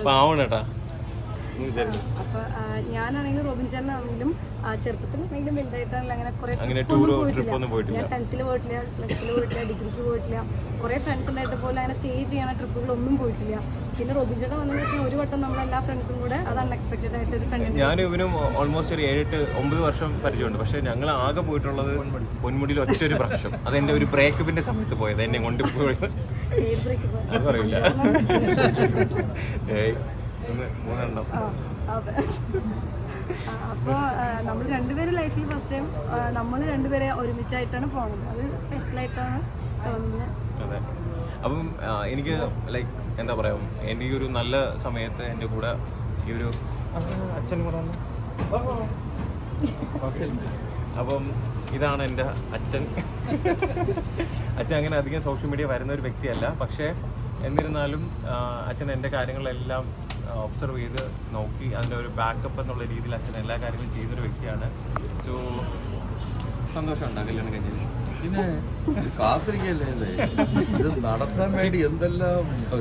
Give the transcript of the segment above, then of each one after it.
പാവണേട്ടാ. അപ്പൊ ഞാനാണെങ്കിലും റോബിൻ ചേട്ടനാണെങ്കിലും ചെറുപ്പത്തിലാണെങ്കിലും വലുതായിട്ടാണല്ലോ അങ്ങനെ പോയിട്ടില്ല. ഞാൻ 10th പോയിട്ടില്ല, +2 പോയിട്ടില്ല, ഡിഗ്രിക്ക് പോയിട്ടില്ല. കുറെ ഫ്രണ്ട്സ് ഉണ്ടായിട്ട് പോലും അങ്ങനെ സ്റ്റേ ചെയ്യണ ട്രിപ്പുകളൊന്നും പോയിട്ടില്ല. പിന്നെ റോബിൻ ചേട്ടൻ വന്നതിന് ശേഷം ഒരു വട്ടം നമ്മളെല്ലാ ഫ്രണ്ട്സും കൂടെ അത് അൺഎക്സ്പെക്ടഡ് ആയിട്ട് ഒരു ഫ്രണ്ട്. ഞാനും ഇവനും ഓൾമോസ്റ്റ് ഒരു 7-8-9 വർഷം പരിചയമുണ്ട്. പക്ഷെ ഞങ്ങൾ ആകെ പോയിട്ടുള്ളത് പൊന്മുടിയിൽ ഒറ്റൊരു പ്രാവശ്യം. അതെന്റെ ഒരു ബ്രേക്കപ്പിന്റെ സമയത്ത് പോയത്, എന്നെ കൊണ്ടുപോയി. അത് പറയില്ല. മൂന്നെണ്ണം. അപ്പോൾ നമ്മൾ രണ്ടുപേരും ലൈഫിൽ ഫസ്റ്റ് ടൈം നമ്മൾ രണ്ടുപേരെ ഒരുമിച്ചായിട്ടാണ് പോകുന്നത്. അത് സ്പെഷ്യലായിട്ടാണ് തോന്നുന്നത്. അതെ. അപ്പം എനിക്ക് ലൈക്ക് എന്താ പറയാ, എനിക്കൊരു നല്ല സമയത്ത് എൻ്റെ കൂടെ ഈ ഒരു അച്ഛൻ കൂടെ. അപ്പം ഇതാണ് എൻ്റെ അച്ഛൻ. അച്ഛൻ അങ്ങനെ അധികം സോഷ്യൽ മീഡിയ വരുന്ന ഒരു വ്യക്തിയല്ല. പക്ഷേ എന്നിരുന്നാലും അച്ഛൻ എൻ്റെ കാര്യങ്ങളെല്ലാം ഒബ്സർവ് ചെയ്ത് നോക്കി അതിൻ്റെ ഒരു ബാക്കപ്പ് എന്നുള്ള രീതിയിൽ അച്ഛൻ എല്ലാ കാര്യങ്ങളും ചെയ്യുന്നൊരു വ്യക്തിയാണ്. സോ സന്തോഷമുണ്ട് കല്യാണം കഴിഞ്ഞത്. പിന്നെ കാത്തിരിക്കല്ലേ ഇത് നടത്താൻ വേണ്ടി എന്തെല്ലാം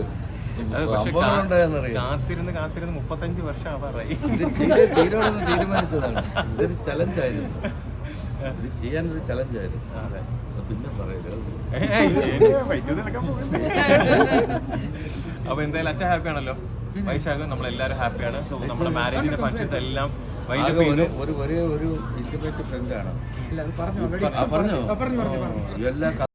കാത്തിരുന്ന് 35 വർഷം ആവാറായി. തീരുമാനിച്ചതാണ്. ഇതൊരു ചലഞ്ചായിരുന്നു, ഇത് ചെയ്യാനൊരു ചലഞ്ചായിരുന്നു. അതെ. പിന്നെ പറയല്ലോ. അപ്പൊ എന്തായാലും അച്ഛൻ ഹാപ്പി ആണല്ലോ, വൈശാഖും നമ്മളെല്ലാവരും ഹാപ്പിയാണ്. സോ നമ്മുടെ മാരേജിന്റെ ഫംഗ്ഷൻസ് എല്ലാം ഒരു ഇന്റിമേറ്റ് ഫ്രണ്ടാണ്. പറഞ്ഞു